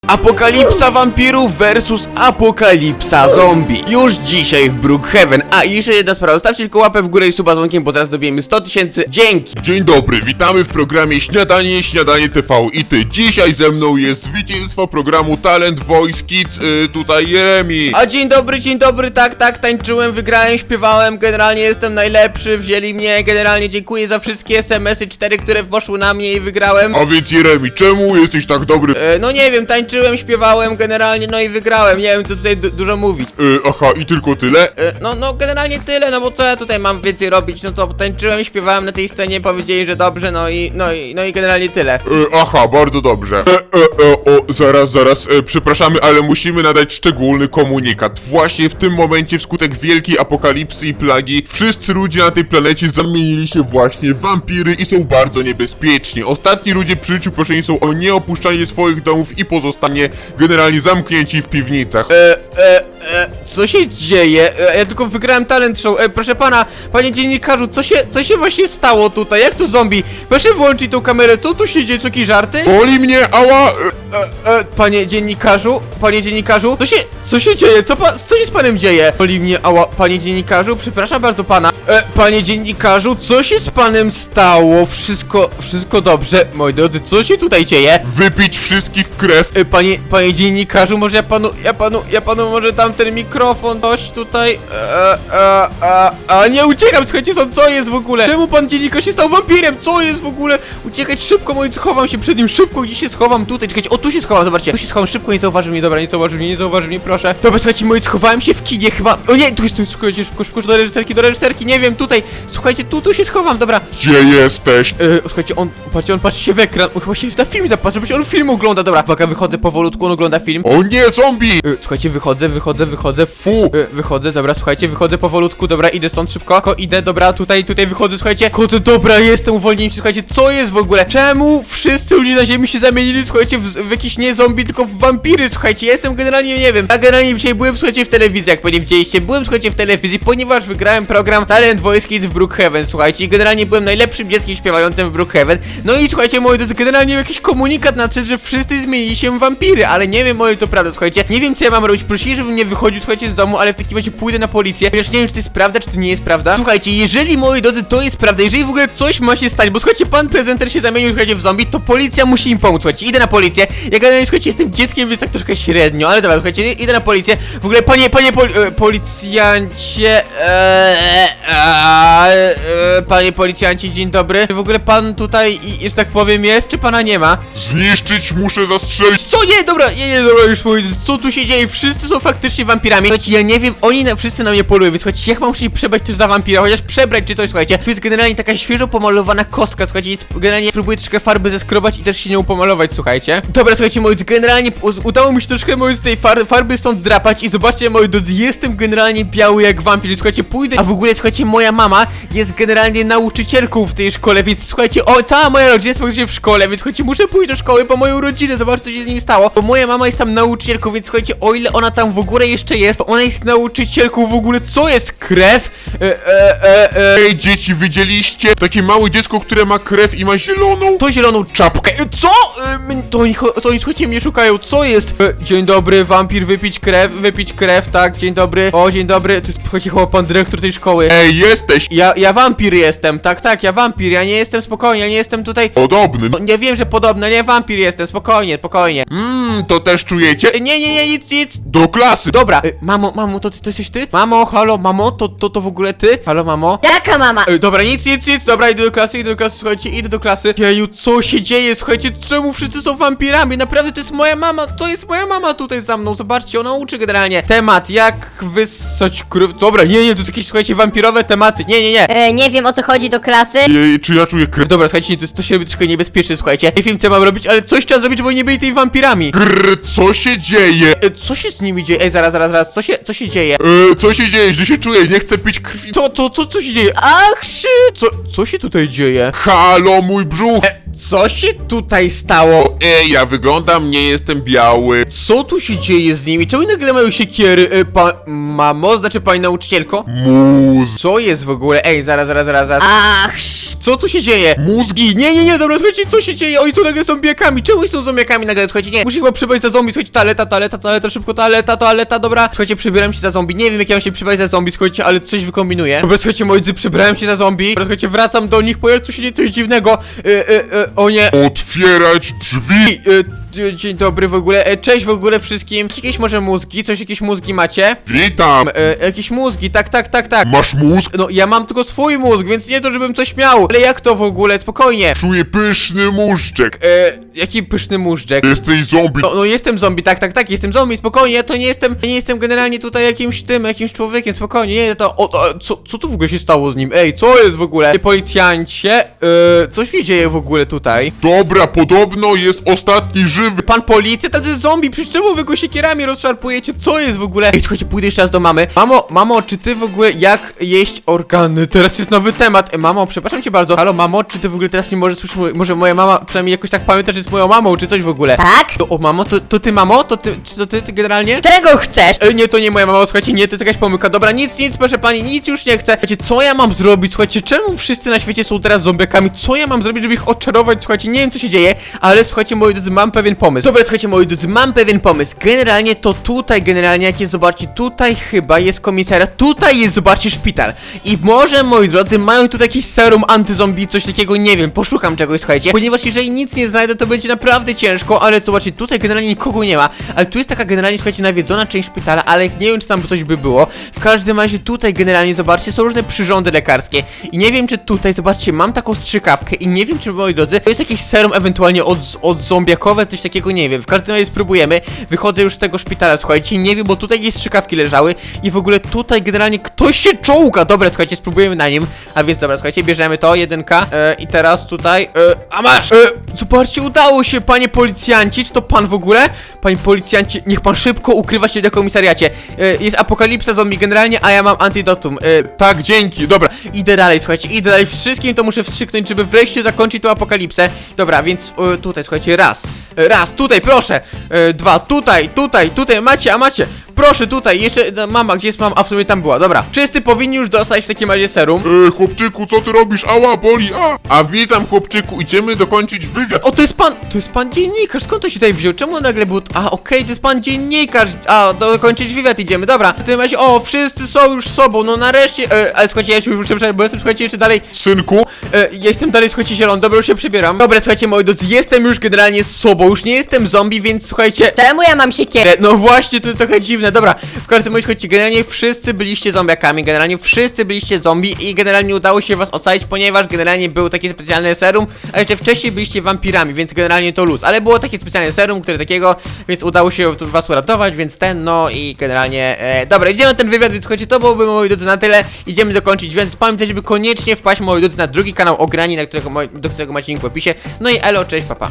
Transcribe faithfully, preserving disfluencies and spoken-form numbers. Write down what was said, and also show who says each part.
Speaker 1: Apokalipsa wampirów versus apokalipsa zombie. Już dzisiaj w Brookhaven. A i jeszcze jedna sprawa, zostawcie tylko łapę w górę i suba z dzwonkiem, bo zaraz dobijemy sto tysięcy. Dzięki!
Speaker 2: Dzień dobry, witamy w programie Śniadanie, Śniadanie T V i ty. Dzisiaj ze mną jest zwycięstwo programu Talent Voice Kids, yy, tutaj Jeremi.
Speaker 1: A dzień dobry, dzień dobry, tak, tak, tańczyłem, wygrałem, śpiewałem, generalnie jestem najlepszy, wzięli mnie, generalnie dziękuję za wszystkie es em esy cztery, które poszły na mnie i wygrałem.
Speaker 2: A więc Jeremi, czemu jesteś tak dobry?
Speaker 1: E, no nie wiem, tańczyłem, śpiewałem, generalnie, no i wygrałem, nie wiem co tutaj du dużo mówić.
Speaker 2: Yy, aha, i tylko tyle?
Speaker 1: E, no, no generalnie tyle, no bo co ja tutaj mam więcej robić, no to tańczyłem, śpiewałem na tej scenie, powiedzieli, że dobrze, no i, no i, no i generalnie tyle.
Speaker 2: Yy, aha, bardzo dobrze. E, e, e, o, zaraz, zaraz, e, przepraszamy, ale musimy nadać szczególny komunikat. Właśnie w tym momencie, wskutek wielkiej apokalipsy i plagi, wszyscy ludzie na tej planecie zamienili się właśnie w wampiry i są bardzo niebezpieczni. Ostatni ludzie przy życiu proszeni są o nieopuszczanie swoich domów i pozostanie generalnie zamknięci w piwnicach.
Speaker 1: E, e, e, co się dzieje? E, ja tylko wygrałem talent show. E, proszę pana, panie dziennikarzu, co się, co się właśnie stało tutaj? Jak to zombie? Proszę włączyć tą kamerę, co tu się dzieje? Co, jakieś żarty?
Speaker 2: Boli mnie, ała! E,
Speaker 1: E, e, panie dziennikarzu, panie dziennikarzu, co się, co się dzieje? Co, pa, co się z panem dzieje? Boli mnie, ała, panie dziennikarzu, przepraszam bardzo pana. E, panie dziennikarzu, co się z panem stało? Wszystko, wszystko dobrze, moi drodzy, co się tutaj dzieje?
Speaker 2: Wypić wszystkich krew.
Speaker 1: E, Panie, panie dziennikarzu, może ja panu, ja panu, ja panu może dam ten mikrofon, coś tutaj, e, e, a, a nie uciekam, słuchajcie, co, co jest w ogóle? Czemu pan dziennikarz się stał wampirem? Co jest w ogóle? Uciekać szybko, moi, schowam się przed nim, szybko, gdzie się schowam? Tutaj, czekajcie, o tu się schowam, zobaczcie, tu się schowam, szybko, nie zauważy mnie, dobra, nie zauważy mnie, nie zauważy mnie, proszę. Dobra, słuchajcie, moi, schowałem się w kinie chyba, o nie, tu jest, tu jest, słuchajcie, szybko, szybko, do reżyserki, do reżyserki, nie wiem, tutaj, słuchajcie, tu, tu się schowam, dobra.
Speaker 2: Gdzie jesteś?
Speaker 1: E, słuchajcie, on, patrzcie, on patrzy się w ekran, on chyba się na film zapatrzy, żeby się on film ogląda, dobra, uwaga, wychodzę powolutku, on ogląda film.
Speaker 2: O nie, zombie!
Speaker 1: E, słuchajcie, wychodzę, wychodzę, wychodzę, fu, e, wychodzę, dobra, słuchajcie, wychodzę powolutku, dobra, idę stąd szybko, ko, idę, dobra, tutaj, tutaj wychodzę, słuchajcie, chodzę, dobra, jestem, uwolniłem się, słuchajcie, co jest w ogóle? Czemu wszyscy ludzie na ziemi się zamienili, słuchajcie, w, w jakieś nie zombie, tylko w wampiry, słuchajcie, ja jestem generalnie, nie wiem, ja generalnie dzisiaj byłem, słuchajcie, w telewizji, jak pewnie widzieliście, byłem, słuchajcie, w telewizji, ponieważ wygrałem program Talent Voice Kids w Brookhaven, słuchajcie, i generalnie byłem najlepszym dzieckiem śpiewającym w Brookhaven, no i słuchajcie, moi drodzy, generalnie jakiś komunikat nadszedł, że wszyscy zmienili się w wampiry, ale nie wiem, moi, to prawda, słuchajcie, nie wiem, co ja mam robić, prosili, żebym nie wychodził, słuchajcie, z domu, ale w takim razie pójdę na policję, ponieważ nie wiem, czy to jest prawda, czy to nie jest prawda. Słuchajcie, jeżeli, moi drodzy, to jest prawda, jeżeli w ogóle coś ma się stać, bo słuchajcie, pan prezenter się zamienił, słuchajcie, w zombie, to policja musi im pomóc, słuchajcie, idę na policję, ja generalnie, słuchajcie, jestem dzieckiem, więc tak troszkę średnio, ale dobra, słuchajcie, idę na policję, w ogóle, panie, panie pol e, policjancie, e, e, e, panie policjancie, dzień dobry, w ogóle pan tutaj, i, że tak powiem, jest, czy pana nie ma?
Speaker 2: Zniszczyć, muszę zastrzelić.
Speaker 1: Co? Nie, dobra, nie, nie, dobra, już mówię, co tu się dzieje? Wszyscy są faktycznie wampirami. Słuchajcie, ja nie wiem, oni na, wszyscy na mnie polują, więc słuchajcie, jak mam się przebrać też za wampira, chociaż przebrać czy coś, słuchajcie. Tu jest generalnie taka świeżo pomalowana kostka, słuchajcie, więc generalnie próbuję troszkę farby zeskrobać i też się nią pomalować, słuchajcie. Dobra, słuchajcie, moi drodzy, generalnie udało mi się troszkę, moi z tej far farby stąd zdrapać i zobaczcie, moi drodzy, jestem generalnie biały jak wampir, słuchajcie, pójdę, a w ogóle, słuchajcie, moja mama jest generalnie nauczycielką w tej szkole, więc słuchajcie, o, cała moja rodzina jest praktycznie w szkole, więc słuchajcie, muszę pójść do szkoły po moją rodzinę, zobaczcie, co się z nim stało, bo moja mama jest tam nauczycielką, więc słuchajcie, o ile ona tam w ogóle jeszcze jest, to ona jest nauczycielką w ogóle, co jest krew? E, e, e, e.
Speaker 2: Ej, dzieci, widzieliście? Takie małe dziecko, które ma krew i ma zieloną
Speaker 1: To zieloną czapkę. E, co? E, m- to oni, cho- to oni, słuchajcie, mnie szukają, co jest? E, dzień dobry, wampir, wypić krew, wypić krew, tak, dzień dobry, o, dzień dobry, to jest, słuchajcie, chyba pan dyrektor tej szkoły.
Speaker 2: Ej, jesteś
Speaker 1: Ja, ja wampir jestem, tak, tak, ja wampir, ja nie jestem spokojnie, ja nie jestem tutaj...
Speaker 2: podobny.
Speaker 1: O, nie wiem, że podobne, nie, wampir jestem, spokojnie, spokojnie.
Speaker 2: Mmm, to też czujecie?
Speaker 1: E, nie, nie, nie, nic, nic.
Speaker 2: Do klasy.
Speaker 1: Dobra, e, mamo, mamo, to, ty, to jesteś ty? Mamo, halo, mamo, to, to, to w ogóle ty? Halo, mamo?
Speaker 3: Jaka mama?
Speaker 1: E, dobra, nic, nic, nic, dobra, idę do klasy, idę do klasy, słuchajcie, idę do klasy. Jeju, co się dzieje, słuchajcie, czemu wszyscy są wampirami? Naprawdę, to jest moja mama, to jest moja mama tutaj za mną, zobaczcie, ona uczy generalnie. Temat, jak wyssać krew, dobra, nie, nie, to są jakieś, słuchajcie, wampirowe tematy, nie, nie, nie.
Speaker 3: E, nie wiem o co chodzi do klasy.
Speaker 2: Ej, czy ja czuję krew?
Speaker 1: Dobra, słuchajcie, to, to się robi troszkę niebezpieczne, słuchajcie. Nie wiem, co mam robić, ale coś trzeba zrobić, bo nie byli tymi wampirami.
Speaker 2: Grr, co się dzieje?
Speaker 1: E, co się z nimi dzieje? Ej, zaraz, zaraz, zaraz, co się, co się dzieje?
Speaker 2: E, co się dzieje? Że się czuję, nie chcę pić krwi.
Speaker 1: Co, co, co, co się dzieje?
Speaker 3: Ach, szy...
Speaker 1: Co, co się tutaj dzieje?
Speaker 2: Halo, mój brzuch.
Speaker 1: E, co się tutaj stało?
Speaker 2: Ej, ja wyglądam, nie jestem biały.
Speaker 1: Co tu się dzieje z nimi? Czemu nagle mają siekiery? E, pa... Mamo, znaczy pani nauczycielko?
Speaker 2: Muz.
Speaker 1: Co jest w ogóle? Ej, zaraz, zaraz, zaraz, zaraz.
Speaker 3: Ach, sz...
Speaker 1: Co tu się dzieje?
Speaker 2: Mózgi!
Speaker 1: Nie, nie, nie, dobra, słuchajcie, co się dzieje? Oni są nagle zombiakami. Czemu oni są zombiakami nagle? Słuchajcie, nie. Muszę chyba przybrać za zombie. Słuchajcie, toaleta, toaleta, toaleta, szybko, toaleta, toaleta, dobra. Słuchajcie, przybieram się za zombie. Nie wiem, jak ja mam się przybrać za zombie, słuchajcie, ale coś wykombinuję. Dobra, słuchajcie, moi drodzy, przybrałem się za zombie. Dobra, słuchajcie, wracam do nich, ponieważ tu się dzieje coś dziwnego. E, e, e, o nie.
Speaker 2: Otwierać drzwi!
Speaker 1: E, Dzień dobry w ogóle, e, cześć w ogóle wszystkim. Jakieś może mózgi? Coś, jakieś mózgi macie?
Speaker 2: Witam!
Speaker 1: E, jakieś mózgi, tak, tak, tak, tak.
Speaker 2: Masz mózg?
Speaker 1: No, ja mam tylko swój mózg, więc nie to, żebym coś miał. Ale jak to w ogóle? Spokojnie.
Speaker 2: Czuję pyszny móżdżek!
Speaker 1: E, jaki pyszny móżdżek.
Speaker 2: Jesteś zombie!
Speaker 1: No, no jestem zombie, tak, tak, tak, jestem zombie, spokojnie, ja to nie jestem, ja nie jestem generalnie tutaj jakimś tym, jakimś człowiekiem, spokojnie, nie, to, o, o co, co tu w ogóle się stało z nim? Ej, co jest w ogóle? Policjancie, e, coś się dzieje w ogóle tutaj?
Speaker 2: Dobra, podobno jest ostatni żywy!
Speaker 1: Pan policjant, ale to jest zombie, przecież czemu wy go siekierami rozszarpujecie? Co jest w ogóle? Ej, słuchajcie, pójdę jeszcze raz do mamy. Mamo, mamo, czy ty w ogóle jak jeść organy? Teraz jest nowy temat. E, mamo, przepraszam cię bardzo. Halo, mamo, czy ty w ogóle teraz mnie możesz słyszeć? Może moja mama przynajmniej jakoś tak pamięta, że jest moją mamą, czy coś w ogóle?
Speaker 3: Tak?
Speaker 1: To, o, mamo, to, to ty, mamo? To ty, czy to ty, ty generalnie?
Speaker 3: Czego chcesz?
Speaker 1: E, nie, to nie moja mama, słuchajcie, nie, to jest jakaś pomyłka. Dobra, nic, nic, proszę pani, nic już nie chcę. Słuchajcie, co ja mam zrobić? Słuchajcie, czemu wszyscy na świecie są teraz zombiakami? Co ja mam zrobić, żeby ich odczarować? Słuchajcie, nie wiem, co się dzieje, ale słuchajcie, moi drodzy, mam pewien pomysł. Dobra, słuchajcie, moi drodzy, mam pewien pomysł. Generalnie to tutaj, generalnie, jak jest, zobaczcie, tutaj chyba jest komisariat, tutaj jest, zobaczcie, szpital. I może, moi drodzy, mają tutaj jakieś serum antyzombie, coś takiego, nie wiem, poszukam czegoś, słuchajcie. Ponieważ jeżeli nic nie znajdę, to będzie naprawdę ciężko, ale zobaczcie, tutaj generalnie nikogo nie ma. Ale tu jest taka generalnie, słuchajcie, nawiedzona część szpitala, ale nie wiem, czy tam coś by było. W każdym razie tutaj generalnie, zobaczcie, są różne przyrządy lekarskie. I nie wiem, czy tutaj, zobaczcie, mam taką strzykawkę i nie wiem, czy, moi drodzy, to jest jakieś serum ewentualnie od, od zombiakowe, coś takiego, nie wiem. W każdym razie spróbujemy. Wychodzę już z tego szpitala, słuchajcie, nie wiem, bo tutaj jakieś strzykawki leżały i w ogóle tutaj generalnie ktoś się czołga. Dobra, słuchajcie, spróbujemy na nim. A więc dobra, słuchajcie, bierzemy to, jedynka. E, I teraz tutaj, e, a masz! E, zobaczcie, udało się, panie policjanci, czy to pan w ogóle? Panie policjanci, niech pan szybko ukrywa się na komisariacie. E, jest apokalipsa zombie generalnie, a ja mam antidotum. E, tak, dzięki, dobra, idę dalej, słuchajcie, idę dalej. Wszystkim to muszę wstrzyknąć, żeby wreszcie zakończyć tą apokalipsę. Dobra, więc e, tutaj, słuchajcie, raz, e, raz, tutaj, proszę, e, dwa, tutaj, tutaj, tutaj, macie, a macie. Proszę, tutaj, jeszcze, no, mama, gdzie jest mama? A w sumie tam była, dobra. Wszyscy powinni już dostać w takim razie serum.
Speaker 2: E, chłopczyku, co ty robisz? Ała, boli, a! A witam, chłopczyku, idziemy dokończyć wywiad.
Speaker 1: O, to jest pan, to jest pan dziennikarz, skąd to się tutaj wziął? Czemu on nagle był, a okej, to jest pan dziennikarz, a, dokończyć wywiad idziemy, dobra. W tym razie, o, wszyscy są już sobą, no nareszcie, e, ale słuchajcie, ja się już muszę, bo jestem, słuchajcie, jeszcze dalej,
Speaker 2: Synku,
Speaker 1: e, ja jestem dalej, słuchajcie, zielony, dobra, już się przebieram. Dobra, słuchajcie, moi drodzy, jestem już generalnie z sobą, już nie jestem zombie, więc słuchajcie,
Speaker 3: Czemu ja mam siekierę?
Speaker 1: E, No właśnie, to jest trochę dziwne, dobra. W każdym razie, chodźcie, generalnie wszyscy byliście zombiakami, generalnie wszyscy byliście zombie i generalnie udało się was ocalić, ponieważ generalnie było takie specjalne serum, a jeszcze wcześniej byliście wampirami, więc generalnie to luz. Ale było takie specjalne serum, które takiego, więc udało się to was uratować, więc ten, no i generalnie, e, dobra, idziemy na ten wywiad, więc słuchajcie, to byłoby, moi drodzy, na tyle. Idziemy dokończyć, więc pamiętajcie, żeby koniecznie wpaść, moi drodzy, na drugi kanał Ograni, na którego, moi- do którego macie link w opisie. No i elo, cześć, papa.